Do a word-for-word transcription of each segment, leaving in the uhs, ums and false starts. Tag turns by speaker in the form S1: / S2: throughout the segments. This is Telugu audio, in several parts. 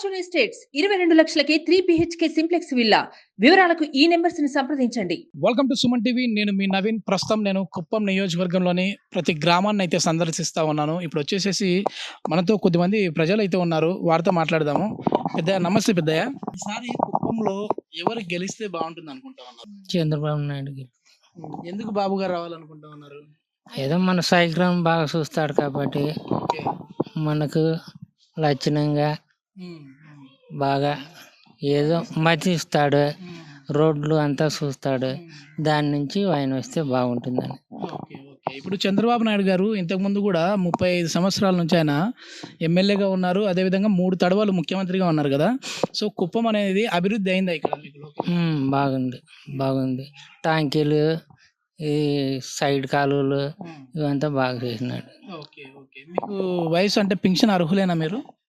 S1: ఫార్చ్యూన్ ఎస్టేట్స్ ఇరవై రెండు లక్షలకే త్రీ బిహెచ్కే సింప్లెక్స్ విల్లా. వివరాలకు ఈ నెంబర్స్ ని సంప్రదించండి.
S2: Welcome to Suman TV. నేను మీ నవీన్. ప్రస్తుతం నేను కుప్పం నియోజకవర్గంలోని ప్రతి గ్రామాన్ని అయితే సందర్శిస్తూ ఉన్నాను. ఇప్పుడు వచ్చేసేసి మనతో కొద్దిమంది ప్రజలు అయితే ఉన్నారు, వారితో మాట్లాడదాము. పెద్దయ్య నమస్తే. పెద్దయ్య, ఈసారి కుప్పంలో ఎవరు గెలిస్తే బాగుంటుంది అనుకుంటా ఉన్నారు?
S3: చంద్రబాబు నాయుడుకి.
S2: ఎందుకు బాబు గారు రావాలనుకుంటా ఉన్నారు?
S3: ఏదో మన సాయిగ్రామం బాగా చూస్తాడు కాబట్టి
S2: ఓకే.
S3: మనకు లక్షణంగా
S2: ఉమ్,
S3: బాగా ఏదో మతిస్తాడు, రోడ్లు అంతా చూస్తాడు. దాని నుంచి ఆయన వస్తే బాగుంటుందని.
S2: ఓకే ఓకే ఇప్పుడు చంద్రబాబు నాయుడు గారు ఇంతకుముందు కూడా ముప్పై ఐదు సంవత్సరాల నుంచి ఆయన ఎమ్మెల్యేగా ఉన్నారు, అదేవిధంగా మూడు తడవలు ముఖ్యమంత్రిగా ఉన్నారు కదా. సో కుప్పం అనేది అభివృద్ధి అయిందా ఇక్కడ మీకు?
S3: ఉమ్, బాగుంది బాగుంది టాంకీలు, ఈ సైడ్ కాలువలు ఇవంతా బాగా చేసినాడు.
S2: ఓకే ఓకే మీకు వయసు అంటే పింఛన్ అర్హులేనా మీరు?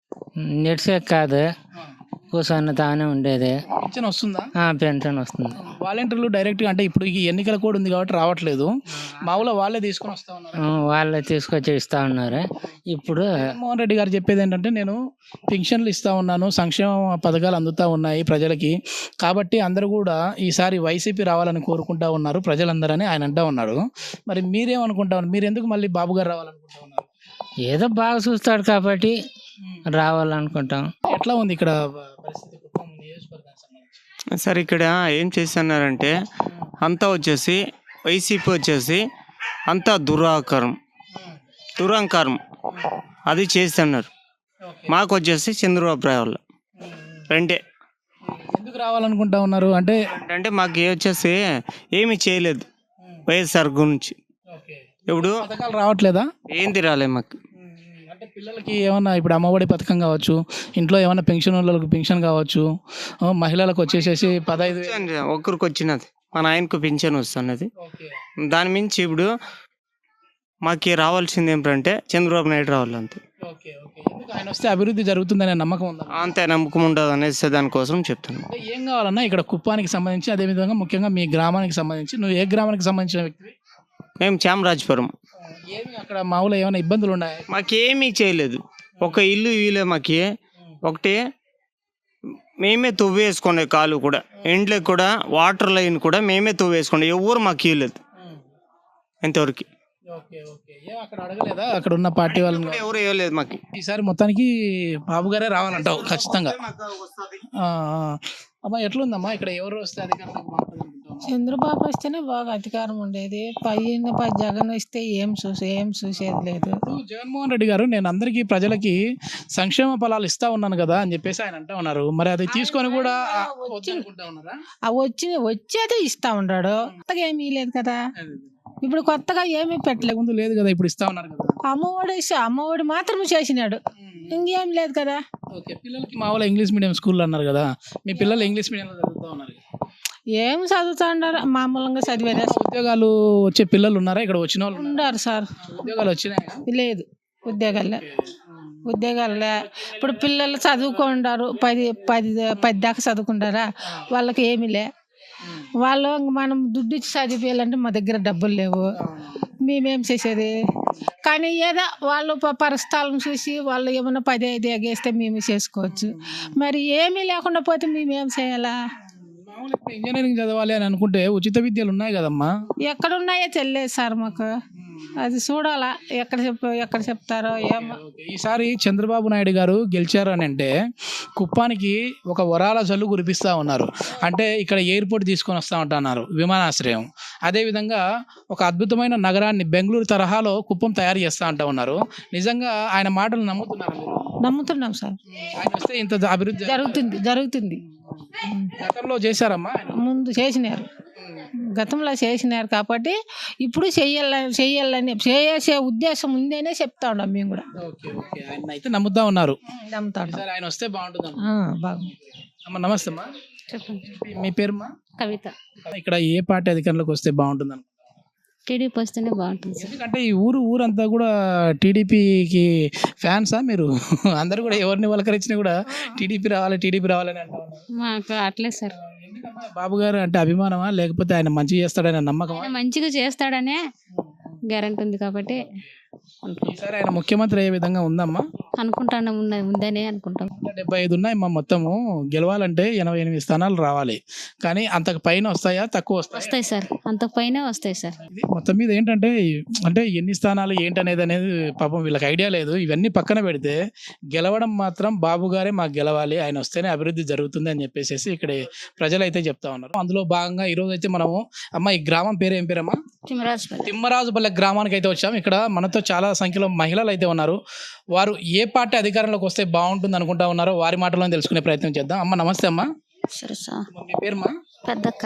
S3: నెట్సే కాదు, కూర్చొని తానే ఉండేది.
S2: పింఛన్ వస్తుందా?
S3: ఆ, పెన్షన్ వస్తుంది.
S2: వాలంటీర్లు డైరెక్ట్గా అంటే ఇప్పుడు ఈ ఎన్నికల కోడ్ ఉంది కాబట్టి రావట్లేదు, మామూలుగా వాళ్ళే తీసుకొని వస్తా ఉన్నారు.
S3: ఆ, వాళ్ళే తీసుకొచ్చి ఇస్తా ఉన్నారు. ఇప్పుడు
S2: జగన్మోహన్ రెడ్డి గారు చెప్పేది ఏంటంటే, నేను పింఛన్లు ఇస్తా ఉన్నాను, సంక్షేమ పథకాలు అందుతూ ఉన్నాయి ప్రజలకి, కాబట్టి అందరూ కూడా ఈసారి వైసీపీ రావాలని కోరుకుంటా ఉన్నారు ప్రజలందరని ఆయన అంటా ఉన్నాడు. మరి మీరేమనుకుంటా ఉన్నారు? మీరు ఎందుకు మళ్ళీ బాబు గారు రావాలనుకుంటా ఉన్నారు?
S3: ఏదో బాగా చూస్తాడు కాబట్టి రావాలనుకుంటాం.
S2: ఎట్లా ఉంది ఇక్కడ పరిస్థితి కుప్పం నియోజకవర్గానికి సంబంధించి?
S4: సార్ ఇక్కడ ఏం చేస్తున్నారంటే అంతా వచ్చేసి వైసీపీ వచ్చేసి అంతా దురాకారం దురహంకారం అది చేస్తున్నారు. మాకు వచ్చేసి చంద్రబాబు రావాలి రెండే.
S2: ఎందుకు రావాలనుకుంటా ఉన్నారు అంటే?
S4: అంటే మాకు ఏ వచ్చేసి ఏమీ చేయలేదు వైఎస్ఆర్ గురించి. ఇప్పుడు
S2: పథకాలు రావట్లేదా?
S4: ఏంది రాలే మాకు.
S2: అంటే పిల్లలకి ఏమన్నా ఇప్పుడు అమ్మఒడి పథకం కావచ్చు, ఇంట్లో ఏమన్నా పెన్షన్ వాళ్ళకి పెన్షన్ కావచ్చు, ఆ, మహిళలకు వచ్చేసేసి పదహైదు వేలు.
S4: ఒక్కరికి వచ్చినది మా నాయనకు పింఛన్ వస్తున్నది.
S2: ఓకే.
S4: దాని మించి ఇప్పుడు మాకు రావాల్సింది ఏమిటంటే చంద్రబాబు నాయుడు రావాలి అంతే.
S2: ఓకే ఓకే ఎందుకు ఆయన వస్తే అభివృద్ధి జరుగుతుందనే నమ్మకం ఉందా?
S4: అంతే నమ్మకం ఉండదు అనేసి దానికోసం చెప్తాను.
S2: అంటే ఏం కావాలన్నా ఇక్కడ కుప్పానికి సంబంధించి, అదేవిధంగా ముఖ్యంగా మీ గ్రామానికి సంబంధించి, నువ్వు ఏ గ్రామానికి సంబంధించిన వ్యక్తివి?
S4: మేము చామరాజపురం.
S2: ఏమి అక్కడ మామూలు ఏమైనా ఇబ్బందులు ఉన్నాయి?
S4: మాకేమీ చేయలేదు, ఒక ఇల్లు ఇల్లు మాకి ఒకటి మేమే తవ్వేసుకునే కాలు కూడా, ఇంట్లో కూడా వాటర్ లైన్ కూడా మేమే తవ్వేసుకునే, ఎవరు మాకు ఇవ్వలేదు ఇంతవరకు.
S2: ఓకే ఓకే ఏం అక్కడ అడగలేదా అక్కడ ఉన్న పార్టీ వాళ్ళని?
S4: కూడా ఎవరు ఇవ్వలేదు మాకు.
S2: ఈసారి మొత్తానికి బాబు గారే రావాలంటావు ఖచ్చితంగా. ఆ, ఆ. అమ్మా ఎట్లుందమ్మా ఇక్కడ ఎవరు వస్తే అధికారంలోకి బాగుంటుంది అనుకుంటావు?
S5: చంద్రబాబు వస్తేనే బాగా అధికారం ఉండేది. పైన పై జగన్ వస్తే ఏం చూసే ఏం చూసేది లేదు.
S2: ఇప్పుడు జగన్మోహన్ రెడ్డి గారు, నేను అందరికీ ప్రజలకి సంక్షేమ ఫలాలు ఇస్తా ఉన్నాను కదా అని చెప్పేసి ఆయన అంటా ఉన్నారు. మరి అది తీసుకొని కూడా ఆ, వద్దనుకుంటా ఉన్నారా?
S5: ఆ వచ్చి వచ్చేదే ఇస్తా ఉన్నాడు, కొత్తగా ఏమీ లేదు కదా. ఇప్పుడు కొత్తగా ఏమీ పెట్టలేదు.
S2: ముందు లేదు కదా, ఇప్పుడు ఇస్తా ఉన్నారు కదా.
S5: అమ్మఒడి ఇస్తే అమ్మఒడి మాత్రం చేసినాడు, ఇంకేం లేదు కదా.
S2: ఓకే పిల్లలకి మామూలు ఇంగ్లీష్ మీడియం స్కూల్లో అన్నారు కదా, మీ పిల్లలు ఇంగ్లీష్ మీడియంలో చదువుతా ఉన్నారు.
S5: ఏం చదువుతా ఉన్నారు, మామూలుగా చదివేదే.
S2: ఉద్యోగాలు వచ్చే పిల్లలు ఉన్నారా ఇక్కడ? వచ్చిన వాళ్ళు ఉన్నారా?
S5: ఉన్నారు సార్.
S2: ఉద్యోగాలు వచ్చినాయా?
S5: లేదు, ఉద్యోగాలే ఉద్యోగాలే ఇప్పుడు పిల్లలు చదువుకుంటారు, పది పది పది దాకా చదువుకుంటారా, వాళ్ళకి ఏమీ లే. వాళ్ళు మనం దుడ్డు ఇచ్చి చదివేయాలంటే మా దగ్గర డబ్బులు లేవు, మేమేం చేసేది. కానీ ఏదో వాళ్ళు ప- పరిస్థితులను చూసి వాళ్ళు ఏమైనా పది ఐదు ఎగేస్తే మేము చేసుకోవచ్చు. మరి ఏమీ లేకుండా పోతే మేమేం చేయాలా?
S2: మామూలు ఇప్పుడు ఇంజనీరింగ్ చదవాలి అని అనుకుంటే ఉచిత విద్యలు ఉన్నాయి కదమ్మా.
S5: ఎక్కడ ఉన్నాయో తెలియదు సార్ మాకు, అది చూడాలా ఎక్కడ చెప్ ఎక్కడ చెప్తారో ఏమో.
S2: ఓకే, ఈసారి చంద్రబాబు నాయుడు గారు గెలిచారు అని అంటే కుప్పానికి ఒక వరాల జల్లు కురిపిస్తూ ఉన్నారు. అంటే ఇక్కడ ఎయిర్పోర్ట్ తీసుకొని వస్తూ ఉంటున్నారు, విమానాశ్రయం. అదేవిధంగా ఒక అద్భుతమైన నగరాన్ని బెంగళూరు తరహాలో కుప్పం తయారు చేస్తూ ఉంటా ఉన్నారు. నిజంగా ఆయన మాటలు నమ్ముతున్నారు మీరు?
S5: నమ్ముతున్నాం సార్,
S2: ఆయన వస్తే ఇంత అభివృద్ధి
S5: జరుగుతుంది జరుగుతుంది.
S2: గతంలో చేశారమ్మా ఆయన?
S5: ముందు చేసినారు, గతంలో చేసినారు కాబట్టి ఇప్పుడు చెయ్యాలని చెయ్యాలని చేసే ఉద్దేశం ఉందనే చెప్తా ఉన్నాం మేము కూడా.
S2: ఓకే ఓకే ఆయన అయితే నమ్ముతా ఉన్నారు.
S5: నమ్ముతా ఉన్నాం.
S2: ఈసారి ఆయన వస్తే బాగుంటుంది.
S5: బాగుంది.
S2: అమ్మ నమస్తే అమ్మా.
S6: చెప్పండి.
S2: మీ పేరుమా?
S6: కవిత.
S2: ఇక్కడ ఏ పార్టీ అధికారంలోకి వస్తే బాగుంటుంది అనుకుంటున్నారు?
S6: టీడీపీ వస్తేనే బాగుంటుంది సార్.
S2: ఎందుకంటే ఈ ఊరు ఊరంతా కూడా టీడీపీకి ఫ్యాన్సా మీరు? అందరూ కూడా ఎవరిని వలకరించినా కూడా టీడీపీ రావాలి టీడీపీ రావాలని అంటా ఉన్నారు.
S6: మాకు అట్లే సార్.
S2: ఎందుకమ్మా బాబు గారు అంటే అభిమానమా, లేకపోతే ఆయన మంచి చేస్తాడనే నమ్మకమా?
S6: ఆయన మంచిగా చేస్తాడనే గ్యారెంటీ ఉంది కాబట్టి
S2: ఈసారి ఆయన ముఖ్యమంత్రి అయ్యే విధంగా ఉందమ్మా?
S6: అనుకుంటాను ఉన్న ఉందనే అనుకుంటాం.
S2: డెబ్బై ఐదు ఉన్నాయి మా మొత్తము, గెలవాలంటే ఎనభై ఎనిమిది స్థానాలు రావాలి, కానీ అంతకు పైన వస్తాయా తక్కువ వస్తాయా?
S6: వస్తాయి సార్, అంత పైన వస్తాయి సార్.
S2: ఇది మొత్తం మీద ఏంటంటే అంటే ఎన్ని స్థానాలు ఏంటనేది అనేది పాపం వీళ్ళకి ఐడియా లేదు. ఇవన్నీ పక్కన పెడితే గెలవడం మాత్రం బాబు గారే మాకు గెలవాలి, ఆయన వస్తేనే అభివృద్ధి జరుగుతుంది అని చెప్పేసి ఇక్కడ ప్రజలు అయితే చెప్తా ఉన్నారు. అందులో భాగంగా ఈ రోజు అయితే మనము అమ్మ ఈ గ్రామం పేరు ఏం పేరమ్మా?
S6: తిమ్మరాజుపల్లి.
S2: తిమ్మరాజుపల్లె గ్రామానికి అయితే వచ్చాము. ఇక్కడ మనతో చాలా సంఖ్యలో మహిళలు అయితే ఉన్నారు. వారు ఏ పార్టీ అధికారంలోకి వస్తే బాగుంటుంది అనుకుంటా ఉన్నారో వారి మాటల్లో తెలుసుకునే ప్రయత్నం చేద్దాం. అమ్మ నమస్తే అమ్మా.
S6: సరే సార్.
S2: మీ పేరుమా?
S6: పెద్దక్క.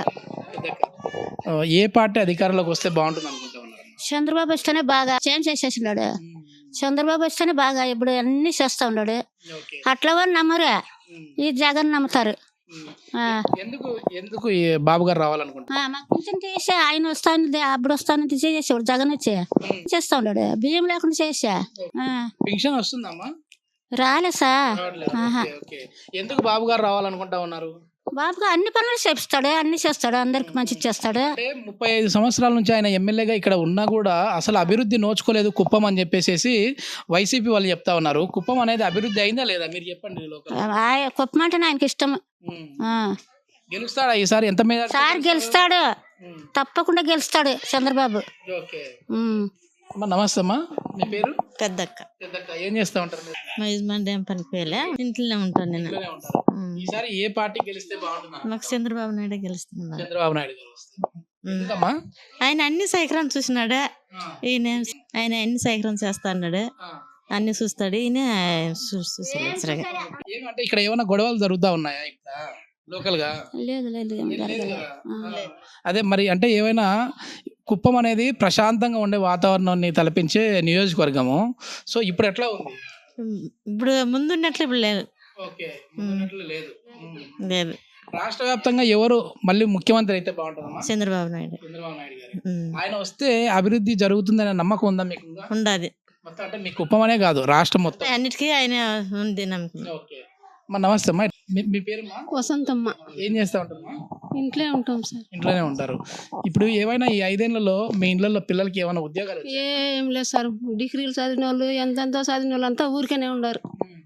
S2: ఆ, ఏ పార్టీ అధికారంలోకి వస్తే బాగుంటుంది అనుకుంటా ఉన్నారు?
S6: చంద్రబాబు వస్తేనే బాగా చేంజ్ చేసేసినాడు. చంద్రబాబు వస్తేనే బాగా ఇప్పుడు అన్ని చేస్తా ఉన్నాడు. అట్లా వాళ్ళు నమ్మరు, ఈ జగన్ నమ్ముతారు. ఆ,
S2: ఎందుకు ఎందుకు ఈ బాబు గారు రావాలనుకుంటున్నారు?
S6: ఆ, మాకు పింఛన్ చేసా, ఆయన వస్తాను అప్పుడు వస్తాను చేసేవాడు. జగన్ వచ్చి చేస్తా ఉన్నాడు, బియ్యం లేకుండా చేసా. ఆ,
S2: పెన్షన్ వస్తుందమ్మా?
S6: రాలే సార్. ఆహా.
S2: Okay, okay. ఎందుకు బాబు గారు రావాలనుకుంటా ఉన్నారు?
S6: బాబుగా అన్ని పనులు చేపిస్తాడు, అన్ని చేస్తాడు, అందరికి మంచి చేస్తాడు.
S2: అంటే ముప్పై ఐదు సంవత్సరాల నుంచి ఆయన ఎమ్మెల్యేగా ఇక్కడ ఉన్నా కూడా అసలు అభివృద్ధి నోచుకోలేదు కుప్పం అని చెప్పేసి వైసీపీ వాళ్ళు చెప్తా ఉన్నారు. కుప్పం అనేది అభివృద్ధి అయిందా లేదా మీరు చెప్పండి. ఈ లోకల్
S6: ఆ- కుప్పం అంటే ఆయనకి ఇష్టం. ఆ.
S2: గెలుస్తాడా ఈసారి? ఎంత మీద
S6: సార్ గెలుస్తాడు, తప్పకుండా గెలుస్తాడు చంద్రబాబు.
S2: ఓకే
S6: ఉమ్.
S2: అమ్మా నమస్తే అమ్మా. మీ పేరు?
S7: పెద్దక్క.
S2: పెద్దక్క. ఏం చేస్తా ఉంటారు మీరు?
S7: మా యజమాని ఏం పనికి పోయలే, ఇంట్లోనే ఉంటాను నేను.
S2: ఇంట్లోనే ఉంటారు. ఈసారి ఏ పార్టీ గెలిస్తే బాగుంటుంది?
S7: మాకు చంద్రబాబు నాయుడు గెలుస్తున్నా.
S2: చంద్రబాబు నాయుడు గారు వస్తారు. ఎందుకమ్మా?
S7: ఆయన అన్ని సైకరం చూసినాడు,
S2: ఆ,
S7: ఈయన ఆయన అన్ని సైకరం చేస్తా అన్నాడు,
S2: ఆ.
S7: అన్ని చూస్తాడు, ఈయన చూ- చూసలేదు సరిగా.
S2: ఏమంటే ఇక్కడ ఏమైనా గొడవలు జరుగుతా ఉన్నాయా ఇక్కడ లోకల్ గా?
S6: లేదు లేదు ఏం
S2: ఏం లేదు
S6: జరగలేదు.
S2: కదా? అదే మరి అంటే ఏమైనా కుప్పం అనేది ప్రశాంతంగా ఉండే వాతావరణాన్ని తలపించే నియోజకవర్గము. సో ఇప్పుడు ఎట్లా ఉంది?
S7: ఇప్పుడు ముందున్నట్లు ఇప్పుడు లేదు.
S2: ఓకే, ముందున్నట్లు లేదు.
S7: లేదు.
S2: రాష్ట్ర వ్యాప్తంగా ఎవరు మళ్ళీ ముఖ్యమంత్రి అయితే బాగుంటుందమ్మా?
S7: చంద్రబాబు నాయుడు
S2: చంద్రబాబు నాయుడు గారు.
S7: ఉమ్.
S2: ఆయన వస్తే అభివృద్ధి జరుగుతుందనే నమ్మకం ఉందా మీకు? ఉందా?
S7: ఉండాది.
S2: మొత్తం అంటే మీ కుప్పం అనే కాదు రాష్ట్రం మొత్తం.
S7: అన్నిటికీ ఆయన ఉంది నమ్మకం.
S2: ఓకే అమ్మా నమస్తే అమ్మా. మీ- మీ పేరుమా?
S6: వసంతమ్మ.
S2: ఏం చేస్తా ఉంటారమ్మా?
S6: ఇంట్లో ఉంటాం సార్.
S2: ఇంట్లోనే ఉంటారు. ఇప్పుడు ఏమైనా ఈ ఐదేళ్లలో మీ ఇళ్లలో పిల్లలకి ఏమైనా ఉద్యోగాలు వచ్చాయా?
S6: ఏం లేదు సార్, డిగ్రీలు చదివిన వాళ్ళు ఎంతెంతో చదివిన వాళ్ళు అంతా ఊరికేనే ఉండరు.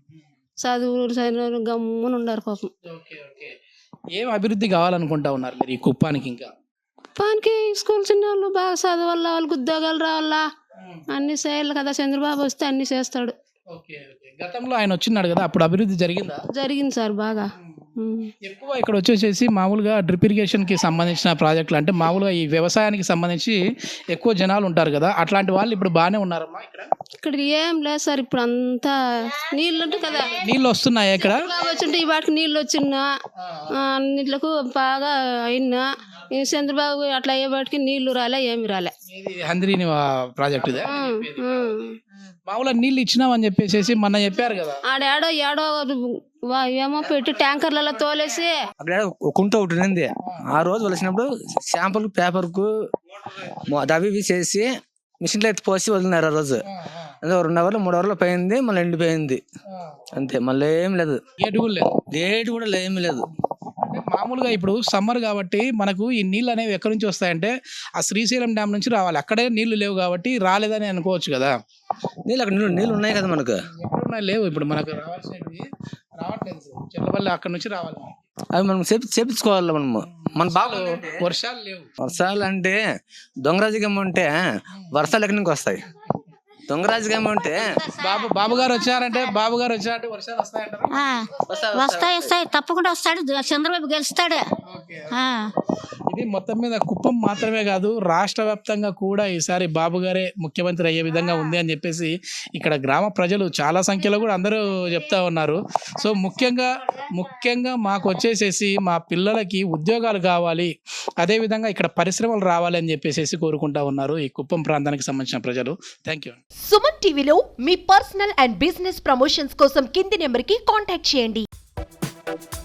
S6: చదువు చదివిన వాళ్ళు గమ్మున ఉండరు పాపం.
S2: Okay, okay. ఏం అభివృద్ధి కావాలనుకుంటా ఉన్నారు మీరు ఈ కుప్పానికి? ఇంకా
S6: పానికి స్కూల్ చిన్న వాళ్ళు బాగా చదవాల, వాళ్ళకి ఉద్యోగాలు రావాలా, అన్ని చేయాలి కదా. చంద్రబాబు వస్తే అన్ని చేస్తాడు.
S2: Okay, okay. గతంలో ఆయన వచ్చినాడు కదా, అప్పుడు అభివృద్ధి జరిగిందా?
S6: జరిగింది సార్ బాగా. ఉమ్.
S2: ఎక్కువ ఇక్కడ వచ్చేసేసి మామూలుగా డ్రిప్ ఇరిగేషన్ కి సంబంధించిన ప్రాజెక్టులు అంటే మామూలుగా ఈ వ్యవసాయానికి సంబంధించి ఎక్కువ జనాలు ఉంటారు కదా, అట్లాంటి వాళ్ళు ఇప్పుడు బాగానే ఉన్నారమ్మా ఇక్కడ?
S6: ఇక్కడ ఏం లేదు సార్, ఇప్పుడు అంతా నీళ్ళు ఉంటుంది కదా.
S2: నీళ్ళు వస్తున్నాయా ఇక్కడ?
S6: బాగా వచ్చింటే ఈ వాటికి నీళ్ళు వచ్చినా అన్నిట్లకు బాగా అయినా. ఈ చంద్రబాబు అట్లా అయ్యే వాటికి నీళ్లు రాలే, ఏమి రాలే.
S2: ఇది హంద్రీని ప్రాజెక్ట్ ఇదే.
S6: ఉమ్.
S2: మామూలుగా నీళ్ళు ఇచ్చినామని చెప్పేసి మొన్న చెప్పారు కదా.
S6: ఆడేడో ఏడో వా- ఏమో పెట్టి ట్యాంకర్లలో తోలేసి
S8: అక్కడ ఒక కుంట ఒకటి ఉంది. ఆ రోజు వచ్చినప్పుడు శాంపుల్ పేపర్కు అవి ఇవి చేసి మిషన్లో ఎత్తి పోసి వదిలినారు. ఆ రోజు అదే రెండు అవర్లు మూడు అవర్లు పోయింది, మళ్ళీ ఎండిపోయింది అంతే, మళ్ళీ ఏం లేదు.
S2: ఏటు కూడా లేదు.
S8: డేట్ కూడా ఏమీ లేదు.
S2: అంటే మామూలుగా ఇప్పుడు సమ్మర్ కాబట్టి మనకు ఈ నీళ్ళు అనేవి ఎక్కడి నుంచి వస్తాయంటే ఆ శ్రీశైలం డ్యామ్ నుంచి రావాలి. అక్కడే నీళ్లు లేవు కాబట్టి రాలేదని అనుకోవచ్చు కదా.
S8: నీళ్ళు అక్కడ నీళ్ళు నీళ్ళు ఉన్నాయి కదా మనకు.
S2: ఎక్కడున్నా లేవు, ఇప్పుడు మనకు రావాల్సినవి రావట్లేదు. చెల్లపల్లి అక్కడ నుంచి రావాలి.
S8: అవి మనం చేపి చేపించుకోవాలి మనము. మన బాగా
S2: వర్షాలు లేవు.
S8: వర్షాలు అంటే దొంగరాజకం ఉంటే వర్షాలు ఎక్కడి నుంచి వస్తాయి? దొంగరాజకం ఉంటే
S2: బాబు బాబు గారు వచ్చారంటే బాబు గారు వచ్చారంటే వర్షాలు వస్తాయంటారు.
S6: ఆ, వస్తాయి వస్తాయి తప్పకుండా వస్తాడు. చంద్రబాబు గెలుస్తాడు. ఆ.
S2: ఇది మొత్తం మీద కుప్పం మాత్రమే కాదు రాష్ట్ర వ్యాప్తంగా కూడా ఈసారి బాబు గారే ముఖ్యమంత్రి అయ్యే విధంగా ఉంది అని చెప్పేసి ఇక్కడ గ్రామ ప్రజలు చాలా సంఖ్యలో కూడా అందరూ చెప్తా ఉన్నారు. సో ముఖ్యంగా ముఖ్యంగా మాకు వచ్చేసేసి మా పిల్లలకి ఉద్యోగాలు కావాలి, అదేవిధంగా ఇక్కడ పరిశ్రమలు రావాలి అని చెప్పేసి కోరుకుంటా ఉన్నారు ఈ కుప్పం ప్రాంతానికి సంబంధించిన ప్రజలు. Thank you.
S9: సుమన్ టీవీలో మీ పర్సనల్ అండ్ బిజినెస్ ప్రమోషన్స్ కోసం కింది నెంబర్కి కాంటాక్ట్ చేయండి.